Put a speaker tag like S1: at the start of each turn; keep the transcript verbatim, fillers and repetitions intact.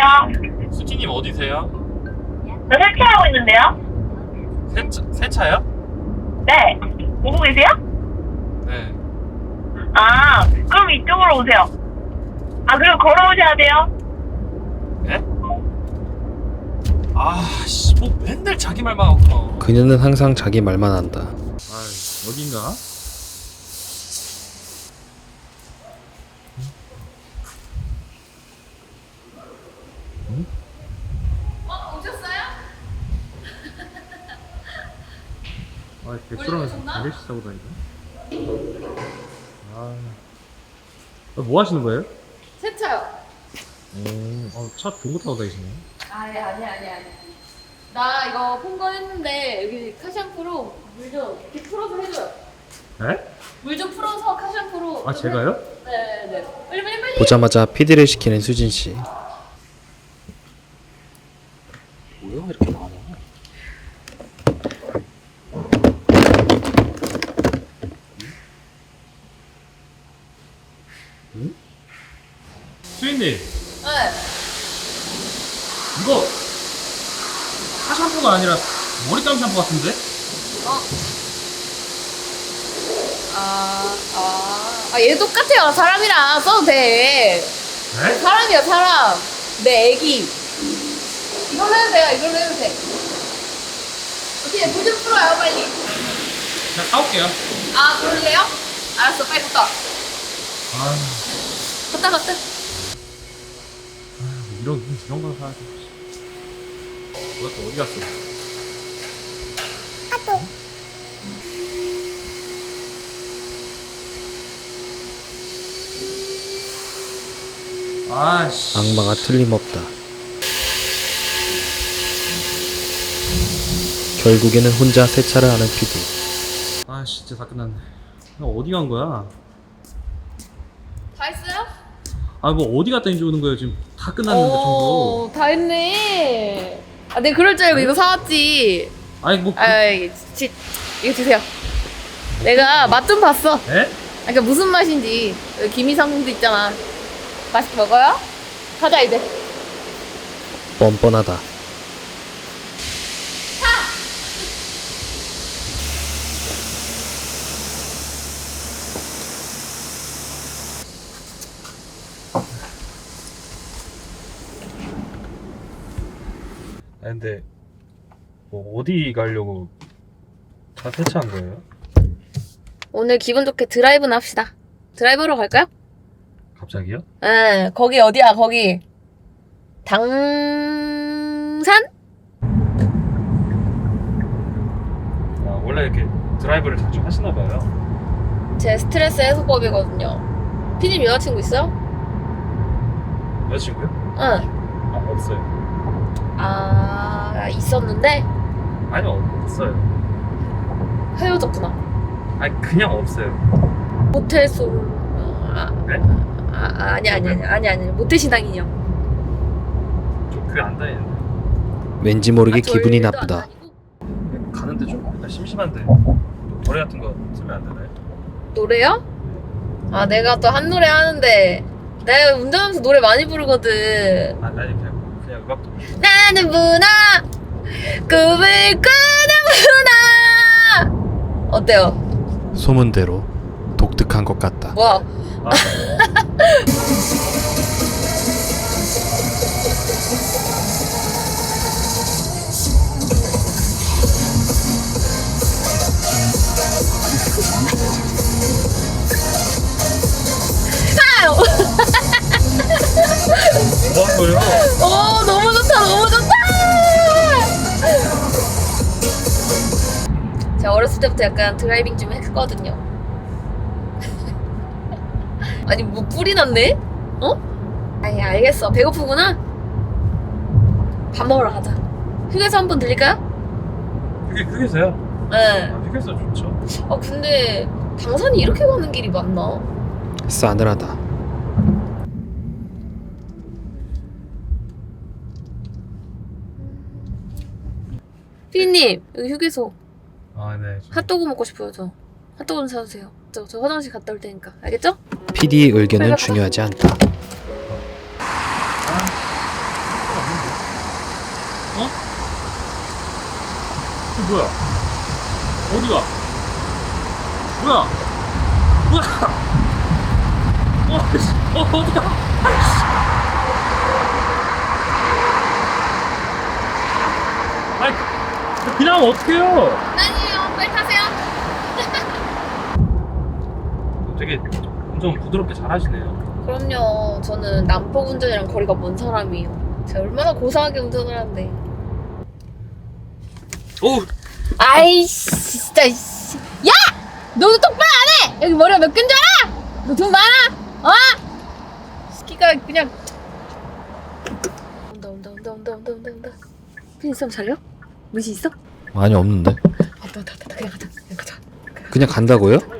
S1: 여보세요?
S2: 수지님 어디세요?
S1: 저 세차하고 있는데요?
S2: 세차, 세차요?
S1: 네. 보고 계세요?
S2: 네.
S1: 아, 그럼 이쪽으로 오세요. 아, 그리고 걸어오셔야 돼요?
S2: 네? 아, 씨, 뭐 맨날 자기 말만 하고.
S3: 그녀는 항상 자기 말만 한다.
S2: 아, 어딘가?
S4: 어, 오셨어요?
S2: 아,
S4: 백수라면서
S2: 아저씨 사고 다니네. 아, 뭐 하시는 거예요?
S4: 세차요.
S2: 오, 어, 차 좋은 거 타고 다니시네.
S4: 아니 아니 아니 아니. 나 이거 폰건했는데 여기 카샴푸로 물 좀 이렇게 풀어서 해줘요.
S2: 네?
S4: 물 좀 풀어서 카샴푸로.
S2: 아, 제가요?
S4: 네네. 빨리 빨리 빨리.
S3: 보자마자 피디를 시키는 수진 씨. 뭐야 이렇게 많아?
S2: 수인님,
S4: 네.
S2: 이거 차 샴푸가 아니라 머리감 샴푸 같은데?
S4: 어. 아, 아, 아, 얘 똑같아요. 사람이랑 써도 돼.
S2: 네?
S4: 사람이야, 사람. 내 애기. 이걸로 해도 돼요, 이걸로 해도 돼. 어떻게, 물 좀 풀어요, 빨리.
S2: 제가 사올게요.
S4: 아, 그럴래요? 알았어, 빨리 갔다 와.
S2: 아,
S4: 갔다, 갔다.
S2: 이런, 이런 걸 사야지. 뭐야, 또 어디 갔어? 아씨.
S3: 악마가 틀림없다. 결국에는 혼자 세차를 하는 피디.
S2: 아 진짜 다 끝났네. 나 어디 간 거야?
S4: 다 했어요?
S2: 아 뭐 어디 갔다 이제 오는 거예요? 지금 다 끝났는데 전부.
S4: 오, 다 했네. 아, 내가 그럴 줄 알고 이거 사왔지.
S2: 아니 뭐. 그...
S4: 아, 이거, 지, 이거 주세요. 내가 맛 좀 봤어.
S2: 에?
S4: 그러니까 무슨 맛인지. 여기 기미상궁도 있잖아. 맛있게 먹어요? 가자, 이제.
S3: 뻔뻔하다.
S2: 아 근데 뭐 어디 가려고 다 세차한 거예요?
S4: 오늘 기분 좋게 드라이브나 합시다. 드라이브로 갈까요?
S2: 갑자기요?
S4: 응, 거기 어디야, 거기. 당산?
S2: 아 원래 이렇게 드라이브를 자주 하시나 봐요.
S4: 제 스트레스 해소법이거든요. 피디님 여자친구 있어요?
S2: 여자친구요?
S4: 응.
S2: 아 없어요.
S4: 아, 있었는데
S2: 아니요 없어요.
S4: 헤어졌구나.
S2: 아니 그냥 없어요.
S4: 모텔 솔. 아,
S2: 네?
S4: 아, 아니, 아니, 아니, 아니, 아니. 모텔 신앙이요.
S2: 저 그게 안 다니는데.
S3: 왠지 모르게
S4: 아,
S3: 기분이
S4: 절도 안
S3: 나쁘다.
S4: 다니고?
S2: 가는데 좀 약간 심심한데 노래 같은 거 들으면 안 되나요?
S4: 노래요? 아, 내가 또 한 노래 하는데 내가 운전하면서 노래 많이 부르거든.
S2: 아, 아니 그냥 그냥 음악 좀.
S4: 나는 문화 꿈을 꾸는구나. 어때요?
S3: 소문대로 독특한 것 같다.
S4: 뭐야?
S2: 아,
S4: 아유.
S2: 뭐 한 거예요?
S4: 오, 너무 좋다, 너무 좋다. 제가 어렸을 때부터 약간 드라이빙 좀 했거든요. 아니, 뭐 뿔이 났네? 어? 아니, 알겠어. 배고프구나? 밥 먹으러 가자. 휴게소 한번 들릴까요?
S2: 그게 휴게소요?
S4: 네.
S2: 아, 휴게소 좋죠.
S4: 아, 근데 당산이 이렇게 가는 길이 맞나?
S3: 싸늘하다.
S4: 피디님, 여기 휴게소.
S2: 아, 네. 좀-
S4: 핫도그 먹고 싶어요, 저. 핫도그 좀 사주세요. 저, 저 화장실 갔다 올 테니까. 알겠죠?
S3: 피디의 의견은 중요하지 않다.
S2: 뭐야? 어디가? 뭐야? 뭐야? 어, 씨, 어, 어디가? 아이, 그냥 하면 어떡해요?
S4: 아니에요. 빨리 타세요.
S2: 되게 운전 부드럽게 잘 하시네요.
S4: 그럼요. 저는 남포 운전이랑 거리가 먼 사람이에요. 제가 얼마나 고상하게 운전을 하는데.
S2: 오!
S4: 아이씨, 진짜, 씨. 야! 너도 똑바로 안 해! 여기 머리가 몇 개인 줄 알아? 너 돈 많아? 어? 시키가 그냥. 온다, 온다, 온다, 온다, 온다, 온다, 온다. 핀 있으면 잘려? 무시 있어?
S3: 많이 없는데?
S4: 왔다, 왔다, 왔다. 그냥 가자, 그냥 가자.
S3: 그냥 간다고요?